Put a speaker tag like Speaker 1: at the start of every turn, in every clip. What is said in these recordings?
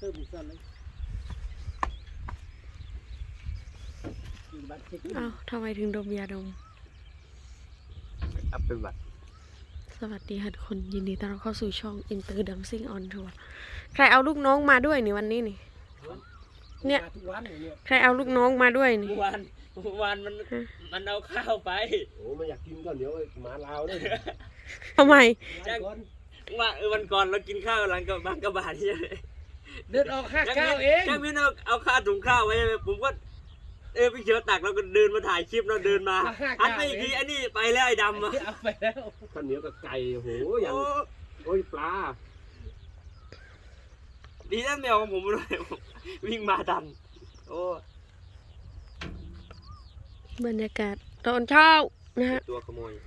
Speaker 1: ติมสั่นเลย
Speaker 2: อ้าวทำไมถึงดมยาดม
Speaker 3: อัพเป็นบัตร
Speaker 2: สวัสดีค่ะทุกคนยินดีต้อนรับเข้าสู่ช่อง Inter Dancing on Tour ใครเอาลูกน้องมาด้วยนี่วันนี้นี่เนี่ยใครเอาลูกน้องมาด้วยนี่
Speaker 3: เมื่อวานมันเอาข้าวไป
Speaker 1: โอ้ไม่อยากกินก็เดี๋ยวหมาลาวเลย
Speaker 2: ทำไม
Speaker 3: ว่าวันก่อนเรากินข้าวหลังกับบางกระบาดที่
Speaker 1: เดินออกค่าข้าวเอง
Speaker 3: จ้างพี่เอาข้าวถุงข้าวไว้ผมก็พี่เขียวตักแล้วก็เดินมาถ่ายคลิปเราเดินมาหันไปอีกทีไอ้นี่ไปแล้วไอ้ดำ
Speaker 1: เอาไปแล้วข้าวเหนียวกับไก่โหอย่างโอ้ยปลา
Speaker 3: ดีนะแมวของผมเลยวิ่งมาดันโอ้
Speaker 2: บรรยากาศตอนเช้านะฮะ
Speaker 3: ตัวขโมย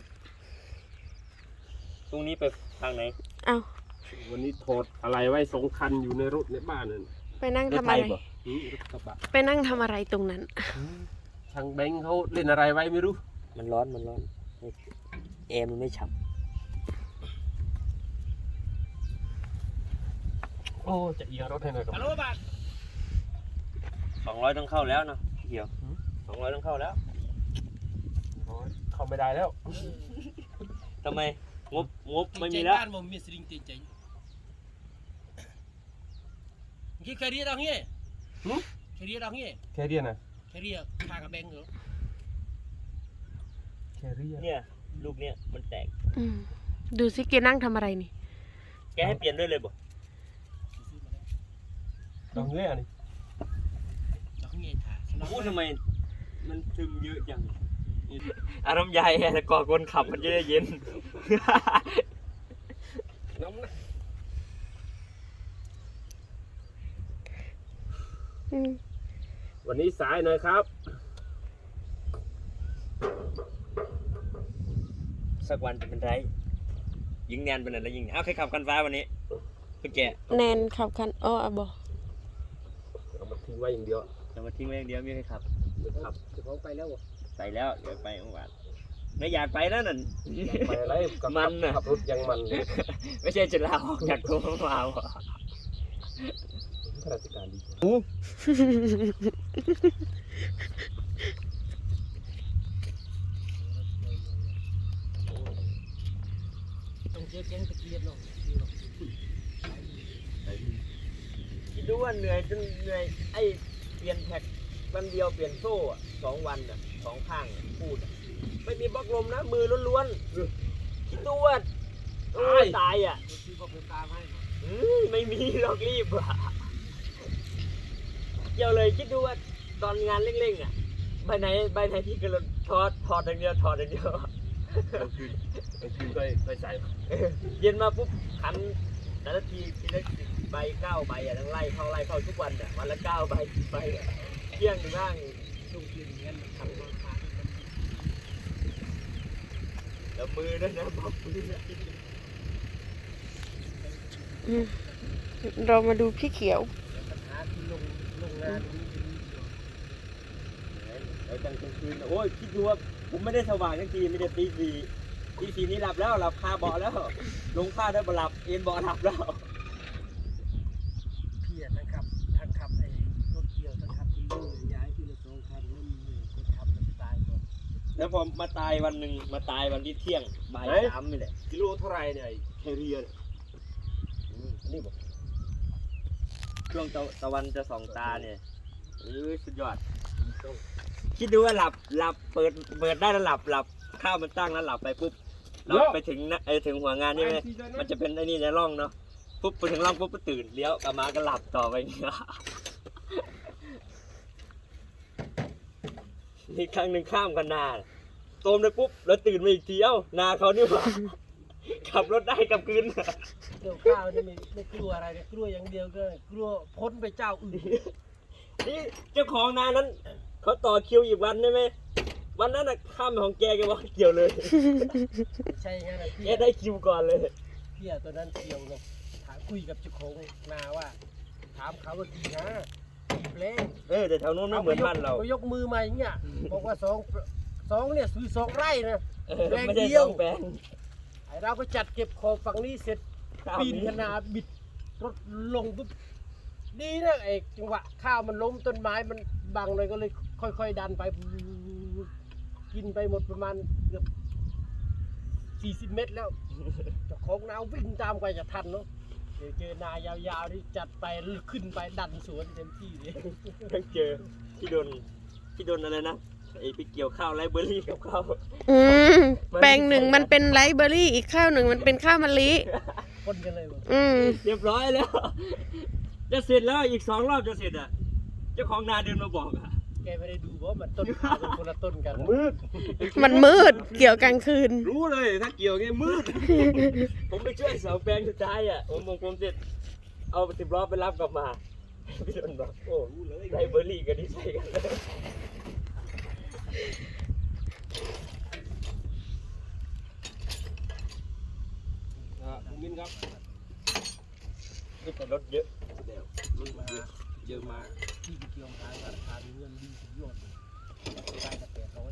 Speaker 3: ตรงนี้ไปทางไหน
Speaker 2: เอา
Speaker 1: วันนี้ถอดอะไรไว้2 คันอยู่ในรถในบ้านนั่น
Speaker 2: ไปนั่งทำอะไรไปนั่งทำอะไรตรงนั้น
Speaker 1: ช่างแบงค์เขาเล่นอะไรไว้ไม่รู้
Speaker 3: มันร้อนแอร์มันไม่ฉ่
Speaker 1: ำโอ้จะเอียงรถให้หน่อยครับ
Speaker 3: 200ต้องเข้าแล้วเนาะเกี่ยว200ต้องเข้าแล้ว
Speaker 1: เข้าไม่ได้แล้ว
Speaker 3: ทำไมงบไม่มีแล้ว
Speaker 1: บ้านผมมีสลิงตีใจกี่แคเรียดังเงี้ยแคเรียดังเงี้ยแคเรียนะแคเรียทางกับแบงค์เหรอแคเรีย
Speaker 3: เนี่ยลูกเนี่ยมันแตก
Speaker 2: ดูสิแกนั่งทำอะไรนี่
Speaker 3: แกให้เปลี่ยนด้วยเลยบ่
Speaker 1: ดังเงี้ยนี่ดังเงี้ย
Speaker 3: พูดทำไมมันซึมเยอะจังอารมณ์ใหญ่แต่ก่อคนขับมันจะได้เย็น
Speaker 1: น้ำนะวันนี้สายหน่อยครับ
Speaker 3: สักวันจะเป็นไรยิงแนนเป็นอะไรยิงเอาใครขับคันฟ้าวันนี้พี่แก
Speaker 2: แนนขับคันอ้อบ่
Speaker 1: เอามาทิ้งไว้อย่างเดียว
Speaker 3: เอามาทิ้งไว้อย่างเดียวไม่ให้ขับ
Speaker 1: จะเขาไปแล้ว
Speaker 3: ไปแล้วเดี๋ยวไปเมื่อวานไม่อยากไปแล้วนั่น
Speaker 1: ไปอะไร
Speaker 3: มันน่ะ
Speaker 1: ขับรถยังมัน
Speaker 3: ไม่ใช่จะลาออกจากตัวมาว่ะ
Speaker 1: ข้าราชการดีต้องเจ๊งตะเกียบเนาะ
Speaker 3: คิดดูว่าเหนื่อยจนเหนื่อยไอ้เปลี่ยนแท็กวันเดียวเปลี่ยนโซ่2 วัน2 ข้างพูดไม่มีบล็อกลมนะมือล้วนๆคิดดูว่าตายไม่มีหรอกรีบอ่ะเกี่ยวเลยคิดดูว่าตอนงานเร่งๆใบไหนที่กระโดดถอดอย่างเดียว
Speaker 1: คือไปใส่
Speaker 3: เย็นมาปุ๊บขันแต่ละทีละใบ9 ใบทั้งไล่เข้าทุกวันวันละ9 ใบเที่ยงนั่งช่วงคืนงั้นทำราคาแล้วมือด้วยนะบอกมือ
Speaker 2: เรามาดูพี่เขียว
Speaker 3: แล้วกลางคืนโอ้ยคิดดูว่าผมไม่ได้สว่างทั้งทีไม่ได้ตี4นี่หลับแล้วหลับคาเบาะแล้วลงผ้าได้หลับเอ็นเบาะหลับแล้ว
Speaker 1: พี่ทั้งขับไอ้รถเกี่ยวทั้งขับที่ย้ายที่ละ2 คันแล้วมีคนขับมันตายก่อน
Speaker 3: แล้วพอมาตายวันหนึ่งมาตายวันที่เที่ยงบ่าย3นี่แหละ
Speaker 1: กิโลเท่าไรเนี่ยแคเรีย
Speaker 3: นี่บอกช่วงตะวันจะส่องตาเนี่ยสุดยอดคิดดูว่าหลับเปิดได้แล้วหลับข้าวมันตั้งแล้วหลับไปปุ๊บเราไปถึงถึงหัวงานนี่ไหมมันจะเป็นไอ้นี่ในร่องเนาะปุ๊บไปถึงร่องปุ๊บก็ตื่นเลี้ยวกลับมาก็หลับต่อไปเนี่ยนี่ครั้งหนึ่งข้ามกันนาโตมเลยปุ๊บแล้วตื่นมาอีกทีนาเขานี่หว่าขับรถได้กลับคืน
Speaker 1: เกี่ยวข้าวนี่ไม่กลัวอะไรเนี่ยกลัวอย่างเดียวก็กลัวพ้นไปเจ้าอื่น
Speaker 3: นี่เจ้าของนานั้นเขาต่อคิวอีกวันได้ไหมวันนั้นข้ามของแกบอกเกี่ยวเลย
Speaker 1: ใช่ไงนะ
Speaker 3: แกได้คิวก่อนเลย
Speaker 1: พี่ตัวนั้นเกี่ยวเลยถามคุยกับเจ้าของนาว่าถามเขาว่ากี่นะกี่เล่
Speaker 3: แต่แถวนู้นไม่เหมือนบ้านเรา
Speaker 1: ยกมือมาอย่างเงี้ยบอกว่า2เนี่ยซื้อ2 ไร่นะ
Speaker 3: แปลงเดียว
Speaker 1: ไอเราก็จัดเก็บของฝั่งนี้เสร็จปีนขนาบิดรถลงปุ๊บดีนะไอ้จังหวะข้าวมันล้มต้นไม้มันบังเลยก็เลยค่อยๆดันไปกินไปหมดประมาณเกือบ40 เมตรแล้วเจ้าของนาวิ่งตามไปจะทันเนาะเจอนายาวๆที่จัดไปขึ้นไปดันสวนเต็มที่เลย
Speaker 3: ยังเจอที่โดนอะไรนะไอ้ไปเกี่ยวข้าวไรเบอร์รี่กับข้าว
Speaker 2: อืมแปลงหนึ่งมันเป็นไรซ์เบอร์รี่อีกข้าวหนึ่งมันเป็นข้าวมะลิ
Speaker 1: คนกันเลยว่ะ
Speaker 2: อืม
Speaker 3: เรียบร้อยแล้ว จะเสร็จแล้วอีก2 รอบจะเสร็จอ่ะเจ้าของนาเดินมาบอกอ่ะ
Speaker 1: แกไม่ได้ดูว่ามันต้นข้าวเป็นคนละต้นกัน
Speaker 3: มืด
Speaker 2: มันมืดเกี่ยวกลางคืน
Speaker 3: รู้เลยถ้าเกี่ยวไงมืด ผมไปช่วยเสาแปลงสุดท้ายอ่ะผมเสร็จเอา10 ล้อไปรับกลับมาพี่โดนบอกโอ้รู้เลยไรเบอร์รี่กันนี่ใช่กันเลย
Speaker 1: คุณมินครับ
Speaker 3: นี่แต่รถเยอะ
Speaker 1: เดี๋ยวรถมาเยอะมากที่ไปเกี่ยวขายราคาเงินดีสุดยอดได้แต่800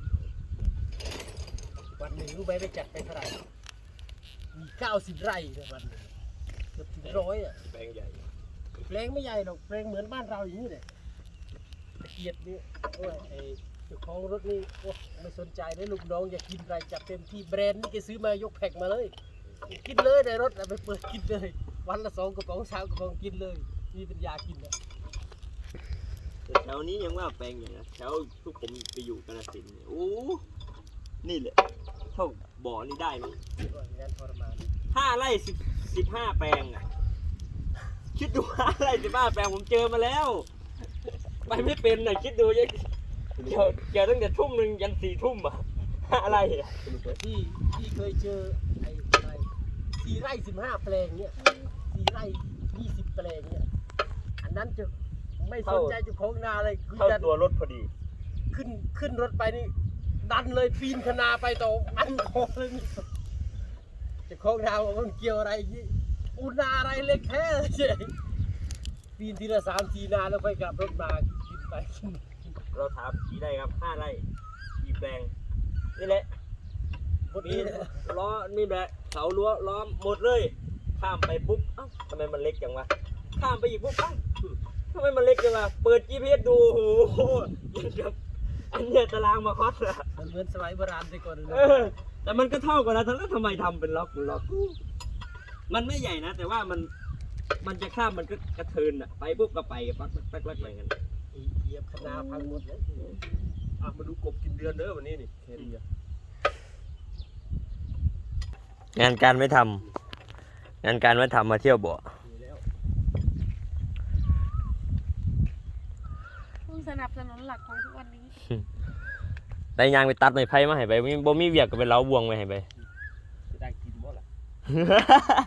Speaker 1: วันหนึ่งรู้ไหมไปจัดไปเท่าไหร่มี90 ไร่ในวันหนึงเกือบถึง100อ่ะ
Speaker 3: แปลงใหญ่
Speaker 1: แปลงไม่ใหญ่หรอกแปลงเหมือนบ้านเราอย่างนี้เลยตะเกียบนี่โอ้ยไอ้เจ้าของรถนี่โอ้ไม่สนใจเลยลูกน้องอยากกินอะไรจัดเต็มที่แบรนด์นี่แกซื้อมายกแพ็คมาเลยกินเลยในรถเอาไปเปิดกินเลยวันละ2 กระป๋อง3 กระป๋องกินเลยมีปัญญากินนะ
Speaker 3: แต่แถวนี้ยังว่าแปลงใหญ่นะแถวทุกผมไปอยู่กาฬสินธุ์เนี่ยโอ้นี่แหละเท่าบ่อนี่ได้มั้ง
Speaker 1: ก็อย่างนั้นทรมาน
Speaker 3: 5 ไร่ 15 แปลงอ่ะคิดดู5 ไร่ 15 แปลงผมเจอมาแล้ว ไปไม่เป็นน่ะคิดดูยังเกี่ยวตั้งแต่ทุ่มหนึ่งยัน4 ทุ่มอ่ะ5 ไร่อ่ะ
Speaker 1: ที่เคยเจอไอ้อะไร4 ไร่ 15 แปลงเนี่ย4 ไร่ 20 แปลงเนี่ยอันนั้นจะไม่สนใจเจ้าของนาเลยคือ
Speaker 3: เท่า
Speaker 1: จะ
Speaker 3: ตัวรถพอดี
Speaker 1: ขึ้นรถไปนี่ดันเลยปีนคนาไปต่ออันคอเลยนี่เจ้าของนาบอกมันเกี่ยวอะไรอย่างงี้อุนาอะไรเล็กแท้เลยเจ๊ปีนทีละ3-4 นาแล้วค่อยกลับรถมากินไปกิน
Speaker 3: เราถามกี่ไร่ครับ5 ไร่กี่แปลงนี่แหละ
Speaker 1: หมด
Speaker 3: มี
Speaker 1: นี้เลย
Speaker 3: ล้อนี่แหละเสารั้วล้อมหมดเลยข้ามไปปุ๊บเอ้าทำไมมันเล็กจังวะข้ามไปอีกปุ๊บเอ้าทำไมมันเล็กจังวะเปิด GPS ดูโอ้โหยังกับอันเนี้ยตารางมาคอสอะ
Speaker 1: มันเหมือนสมัยโบราณแต่ก่อนเลย
Speaker 3: เออแต่มันก็เท่ากันนะแล้วทำไมทำเป็นล็อกมันไม่ใหญ่นะแต่ว่ามันจะข้ามมันก็กระเทินอะไปปุ๊บก็ไปปักไปกัน
Speaker 1: เหยียบคนาพังหมดเลย
Speaker 4: มาดูกบกินเดือนเด้อวันนี้นี่แค่นี้
Speaker 3: งานการไม่ทำงานการไม่ทำมาเที่ยวบ่อ
Speaker 1: มีแล้ว
Speaker 2: ผู้สนับสนุนหลักของทุกวันนี้
Speaker 3: ได้ยางไปตัดไม้ไผ่มาให้ไปบ่มีเวียกก็ไปเล้าบวงไว้ให้ไป
Speaker 4: จะได้กินบ่ล่ะ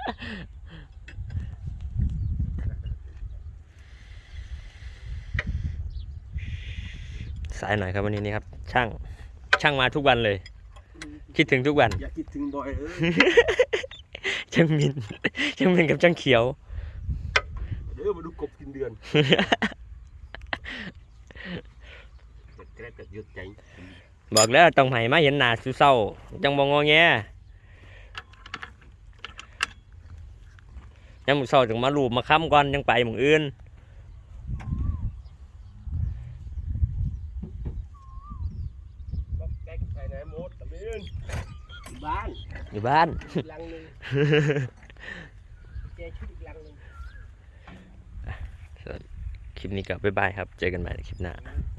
Speaker 3: สายหน่อยครับวันนี้นี่ครับ ช่างมาทุกวันเลย คิดถึงทุกวัน
Speaker 4: อย่าคิดถึงบ่อย
Speaker 3: ช่างมินกับช่างเขียว
Speaker 4: เด้อมาดูกบกินเดือนแกล้งกัดยึดใจ
Speaker 3: บอกแล้วต้องให้มาเห็นหน้าสุเศร้าจังบ่งอแงยังมื้อเช้าจังมาลูบมาค้ำก่อนจังไปหม้องอื่น
Speaker 4: ก็แกล้งใส่ไหนหมดตะเบน
Speaker 1: บ้าน
Speaker 3: อยู่บ้าน
Speaker 1: อีกหลังหนึงแกชุดอีกหลังหนึง
Speaker 3: คลิปนี้ก็บ๊ายบายครับ เจอกันใหม่ในคลิปหน้า
Speaker 1: เ